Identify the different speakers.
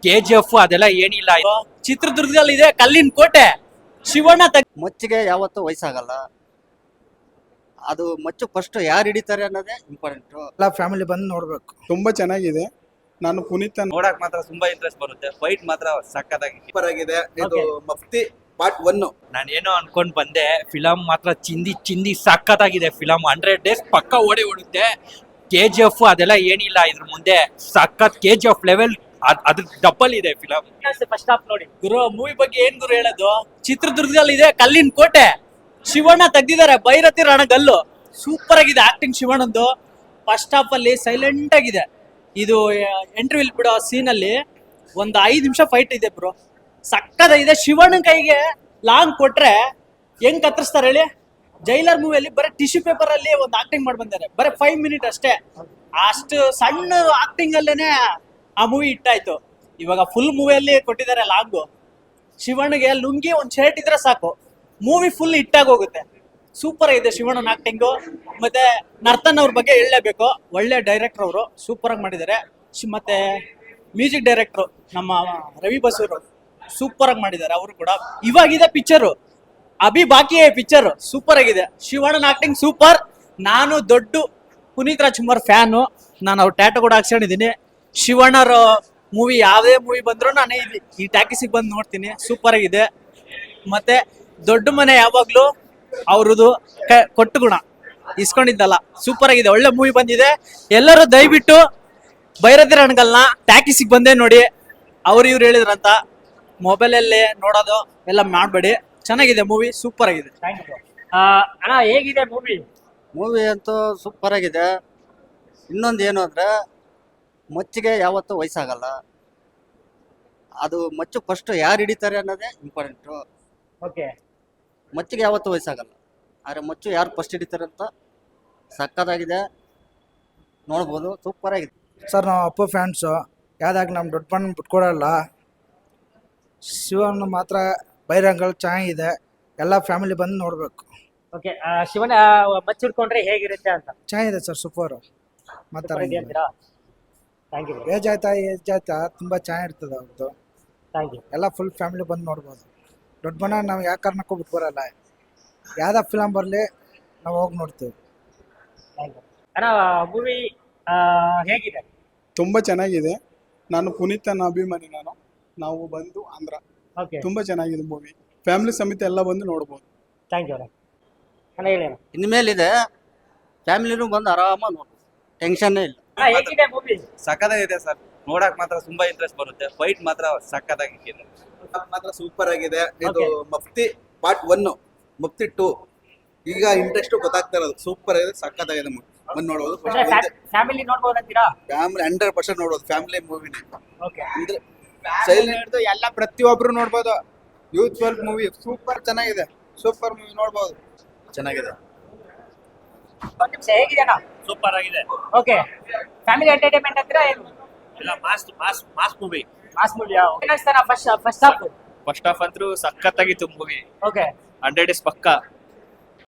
Speaker 1: KGF ಅದೆಲ್ಲ ಏನಿಲ್ಲ. ಚಿತ್ರದುರ್ಗದಲ್ಲಿ ಇದೆ ಕಲ್ಲಿನ ಕೋಟೆ. ಶಿವಣ್ಣ
Speaker 2: ಮಚ್ಚಿಗೆ ಯಾವತ್ತೂ ವಯಸ್ಸಾಗಲ್ಲ. ಅದು ಮಚ್ಚು ಫಸ್ಟ್ ಯಾರು ಹಿಡಿತಾರೆ ಅನ್ನೋದೇ ಇಂಪಾರ್ಟೆಂಟ್.
Speaker 3: ಎಲ್ಲ ಫ್ಯಾಮಿಲಿ ಬಂದು ನೋಡ್ಬೇಕು.
Speaker 4: ತುಂಬಾ ಚೆನ್ನಾಗಿದೆ. ನಾನು ಪುನೀತ್
Speaker 5: ನೋಡಕ್ ಮಾತ್ರ ತುಂಬಾ ಇಂಟ್ರೆಸ್ಟ್ ಬರುತ್ತೆ. ಫೈಟ್ ಮಾತ್ರ ಸಕ್ಕತ್ತಾಗಿ
Speaker 4: ಸೂಪರ್ ಆಗಿದೆ. ಇದು ಮಫ್ತಿ ಪಾರ್ಟ್ 1.
Speaker 1: ನಾನು ಏನೋ ಅನ್ಕೊಂಡ್ ಬಂದೆ, ಫಿಲಂ ಮಾತ್ರ ಚಿಂದಿ ಸಖತ್ತಾಗಿದೆ. ಫಿಲಂ 100 days ಪಕ್ಕ ಓಡುತ್ತೆ. KGF ಅದೆಲ್ಲ ಏನಿಲ್ಲ ಇದ್ರ ಮುಂದೆ. ಸಖತ್ KGF ಲೆವೆಲ್ ಅದ್ರ ಡಬಲ್ ಇದೆ ಫಿಲಂ.
Speaker 6: ಫಸ್ಟ್ ಹಾಫ್ ನೋಡಿ
Speaker 1: ಗುರು, ಮೂವಿ ಬಗ್ಗೆ ಏನ್ ಗುರು ಹೇಳೋದು? ಚಿತ್ರದುರ್ಗದಲ್ಲಿ ಇದೆ ಕಲ್ಲಿನ ಕೋಟೆ. ಶಿವಣ್ಣ ತೆಗ್ದಿದ್ದಾರೆ ಭೈರತಿ ರಣಗಲ್ಲು. ಸೂಪರ್ ಆಗಿದೆ ಆಕ್ಟಿಂಗ್ ಶಿವಣ್ಣಂದು. ಫಸ್ಟ್ ಹಾಫ್ ಅಲ್ಲಿ ಸೈಲೆಂಟ್ ಆಗಿದೆ. ಇದು ಎಂಟ್ರಿ ಬಿಡೋ ಸೀನ್ ಅಲ್ಲಿ ಒಂದು 5 ನಿಮಿಷ ಫೈಟ್ ಇದೆ ಬ್ರೋ. ಸಕ್ಕತ್ತಾಗಿದೆ. ಶಿವಣ್ಣನ ಕೈಗೆ ಲಾಂಗ್ ಕೊಟ್ರೆ ಹೆಂಗ್ ಕತ್ತರಿಸ್ತಾರೆ ಹೇಳಿ? ಜೈಲರ್ ಮೂವಿಯಲ್ಲಿ ಬರೀ ಟಿಶ್ಯೂ ಪೇಪರ್ ಅಲ್ಲಿ ಒಂದು ಆಕ್ಟಿಂಗ್ ಮಾಡಿ ಬಂದಾರೆ. ಬರೀ 5 ಮಿನಿಟ್ ಅಷ್ಟೇ. ಅಷ್ಟು ಸಣ್ಣ ಆಕ್ಟಿಂಗ್ ಅಲ್ಲೇನೆ ಆ ಮೂವಿ ಹಿಟ್ಟಾಯ್ತು. ಇವಾಗ ಫುಲ್ ಮೂವಿಯಲ್ಲಿ ಕೊಟ್ಟಿದ್ದಾರೆ ಲಾಂಗು. ಶಿವಣ್ಣಗೆ ಲುಂಗಿ ಒಂದು ಶರ್ಟ್ ಇದ್ರೆ ಸಾಕು, ಮೂವಿ ಫುಲ್ ಹಿಟ್ಟಾಗಿ ಹೋಗುತ್ತೆ. ಸೂಪರ್ ಆಗಿದೆ ಶಿವಣ್ಣನ ಆಕ್ಟಿಂಗು. ಮತ್ತೆ ನರ್ತನ್ ಅವ್ರ ಬಗ್ಗೆ ಹೇಳಲೇಬೇಕು. ಒಳ್ಳೆ ಡೈರೆಕ್ಟರ್ ಅವರು, ಸೂಪರ್ ಆಗಿ ಮಾಡಿದ್ದಾರೆ. ಮತ್ತೆ ಮ್ಯೂಸಿಕ್ ಡೈರೆಕ್ಟರ್ ನಮ್ಮ ರವಿ ಬಸೂರು ಸೂಪರ್ ಆಗಿ ಮಾಡಿದ್ದಾರೆ ಅವರು ಕೂಡ. ಇವಾಗಿದೆ ಪಿಕ್ಚರು, ಅಭಿ ಬಾಕಿ ಪಿಕ್ಚರ್ ಸೂಪರ್ ಆಗಿದೆ. ಶಿವಣ್ಣನ ಆಕ್ಟಿಂಗ್ ಸೂಪರ್. ನಾನು ದೊಡ್ಡ ಪುನೀತ್ ರಾಜ್ಕುಮಾರ್ ಫ್ಯಾನು. ನಾನು ಅವ್ರ ಟ್ಯಾಟೋ ಕೂಡ ಹಾಕ್ಸ್ಕೊಂಡಿದ್ದೀನಿ. ಶಿವಣ್ಣರ ಮೂವಿ ಯಾವುದೇ ಮೂವಿ ಬಂದ್ರು ನಾನು ಈ ಟ್ಯಾಕಿಸಿಗೆ ಬಂದು ನೋಡ್ತೀನಿ. ಸೂಪರ್ ಆಗಿದೆ. ಮತ್ತೆ ದೊಡ್ಡ ಮನೆ ಯಾವಾಗ್ಲೂ ಅವ್ರದ್ದು ಕೊಟ್ಟು ಗುಣ ಇಸ್ಕೊಂಡಿದ್ದಲ್ಲ. ಸೂಪರ್ ಆಗಿದೆ. ಒಳ್ಳೆ ಮೂವಿ ಬಂದಿದೆ. ಎಲ್ಲರೂ ದಯವಿಟ್ಟು ಭೈರತಿ ರಣಗಲ್ನ ಟ್ಯಾಕಿಸಿಗೆ ಬಂದೇ ನೋಡಿ. ಅವ್ರು ಇವ್ರು ಹೇಳಿದ್ರಂತ ಮೊಬೈಲಲ್ಲಿ ನೋಡೋದು ಎಲ್ಲ ಮಾಡಬೇಡಿ. ಚೆನ್ನಾಗಿದೆ ಮೂವಿ, ಸೂಪರ್ ಆಗಿದೆ.
Speaker 6: ಅಣ್ಣ ಹೇಗಿದೆ
Speaker 2: ಮೂವಿ ಅಂತೂ ಸೂಪರ್ ಆಗಿದೆ. ಇನ್ನೊಂದು ಏನು ಅಂದ್ರೆ ಮಚ್ಚಿಗೆ ಯಾವತ್ತೂ ವಯಸ್ಸಾಗಲ್ಲ. ಅದು ಮಚ್ಚು ಫಸ್ಟ್ ಯಾರು ಹಿಡಿತಾರೆ ಅನ್ನೋದೇ ಇಂಪಾರ್ಟೆಂಟು.
Speaker 6: ಓಕೆ,
Speaker 2: ಮಚ್ಚಿಗೆ ಯಾವತ್ತೂ ವಯಸ್ಸಾಗಲ್ಲ. ಆದರೆ ಮಚ್ಚು ಯಾರು ಫಸ್ಟ್ ಹಿಡಿತಾರೆ ಅಂತ ಸಕ್ಕತ್ತಾಗಿದೆ. ನೋಡ್ಬೋದು, ಸೂಪರ್ ಆಗಿದೆ.
Speaker 3: ಸರ್ ನಾವು ಅಪ್ಪು ಫ್ಯಾನ್ಸು. ಯಾವ್ದಾಗ ನಮ್ಮ ದೊಡ್ಡ ಬಣ್ಣ ಬಿಟ್ಕೊಡಲ್ಲ. ಶಿವಣ್ಣ ಮಾತ್ರ ಬೈರಂಗಲ್ ಚೆನ್ನಾಗಿದೆ. ಎಲ್ಲ ಫ್ಯಾಮಿಲಿ ಬಂದು ನೋಡ್ಬೇಕು.
Speaker 6: ಓಕೆ. ಶಿವಣ್ಣ ಮಚ್ಚಿಡ್ಕೊಂಡ್ರೆ ಹೇಗಿರುತ್ತೆ ಅಂತ
Speaker 3: ಚೆನ್ನಾಗಿದೆ ಸರ್, ಸೂಪರು. ಮಾತಾಡ
Speaker 6: ಥ್ಯಾಂಕ್ ಯು.
Speaker 3: ಏಜ್ ಆಯ್ತಾ ತುಂಬ ಚೆನ್ನಾಗಿರ್ತದೆ ಅವ್ರದ್ದು.
Speaker 6: Thank you.
Speaker 3: ಎಲ್ಲ ಫುಲ್ ಫ್ಯಾಮಿಲಿ ಬಂದು ನೋಡ್ಬೋದು. ದೊಡ್ಡ ಬಣ್ಣ ನಾವು ಯಾವ ಕಾರಣಕ್ಕೂ ಬಿಟ್ಬರಲ್ಲ. ಯಾವ್ದು ಫಿಲಮ್ ಬರಲಿ ನಾವು ಹೋಗಿ ನೋಡ್ತೀವಿ.
Speaker 6: Thank you. ಅಣ್ಣ ಮೂವಿ ಹೇಗಿದೆ?
Speaker 4: ತುಂಬಾ ಚೆನ್ನಾಗಿದೆ. ನಾನು ಪುನೀತನ ಅಭಿಮಾನಿ. ನಾವು ಬಂದು ಆಂಧ್ರ.
Speaker 6: ಓಕೆ,
Speaker 4: ತುಂಬಾ ಚೆನ್ನಾಗಿದೆ ಮೂವಿ. ಫ್ಯಾಮಿಲಿ ಸಮೇತ ಎಲ್ಲ ಬಂದು ನೋಡ್ಬೋದು.
Speaker 6: Thank you. ಅಣ್ಣ ಹೇಳಿ ಅಣ್ಣ.
Speaker 2: ಇನ್ಮೇಲಿದೆ ಫ್ಯಾಮಿಲಿನೂ ಬಂದು ಆರಾಮಾಗಿ ನೋಡ್ಬೋದು, ಟೆನ್ಷನ್ನೇ ಇಲ್ಲ.
Speaker 6: ಹೇಗಿದೆ ಮೂವಿ?
Speaker 5: ಸಕ್ಕತ್ತಾಗಿದೆ ಸರ್. ನೋಡಕ್ ಮಾತ್ರ ತುಂಬಾ ಇಂಟ್ರೆಸ್ಟ್ ಬರುತ್ತೆ. ಫೈಟ್ ಮಾತ್ರ ಸಕ್ಕತ್ತಾಗಿದೆ.
Speaker 4: ಮಾತ್ರ ಸೂಪರ್ ಆಗಿದೆ. ಇದು ಮಫ್ತಿ ಪಾರ್ಟ್ 1, ಮಫ್ತಿ 2 ಈಗ ಇಂಟ್ರೆಸ್ಟ್ ಗೊತ್ತಾಗ್ತಾ ಇರೋದು. ಸೂಪರ್ ಆಗಿದೆ, ಸಕ್ಕತ್ತಾಗಿದೆ. ಬಂದು ನೋಡ್ಬೋದು.
Speaker 6: ಫ್ಯಾಮಿಲಿ ನೋಡ್ಬೋದಂತೀರಾ?
Speaker 4: ಫ್ಯಾಮಿಲಿ 100% ನೋಡ್ಬೋದು. ಫ್ಯಾಮಿಲಿ ಮೂವಿನೇ
Speaker 6: ಓಕೆ.
Speaker 4: ಅಂದ್ರೆ ಸೈಲೆಂಟ್ ಎಲ್ಲ ಪ್ರತಿಯೊಬ್ರು ನೋಡ್ಬೋದು. ಯೂತ್ಫುಲ್ ಮೂವಿ ಸೂಪರ್ ಚೆನ್ನಾಗಿದೆ. ಸೂಪರ್ ಮೂವಿ ನೋಡ್ಬೋದು, ಚೆನ್ನಾಗಿದೆ.
Speaker 6: ಒಂದು ನಿಮಿಷ, ಹೇಗಿದೆ ಅಣ್ಣ?
Speaker 1: ಸೂಪರ್ ಆಗಿದೆ.
Speaker 6: ಓಕೆ. ಫ್ಯಾಮಿಲಿ ಎಂಟರ್ಟೈನ್ಮೆಂಟ್ ಅಂತೀರಾ ಏನು?
Speaker 1: ಎಲ್ಲ ಮಾಸ್ ಮೂವಿ.
Speaker 6: ಮಾಸ್ ಮೂವಿಯಾ? ಏನ್ ಅನ್ಸ್ತಾನ ಫಸ್ಟ್ ಹಾಫ್?
Speaker 1: ಫಸ್ಟ್ ಹಾಫ್ ಅಂತೂ ಸಖತ್ತಾಗಿತ್ತು ಮೂವಿ.
Speaker 6: ಓಕೆ.
Speaker 1: 100 days ಪಕ್ಕ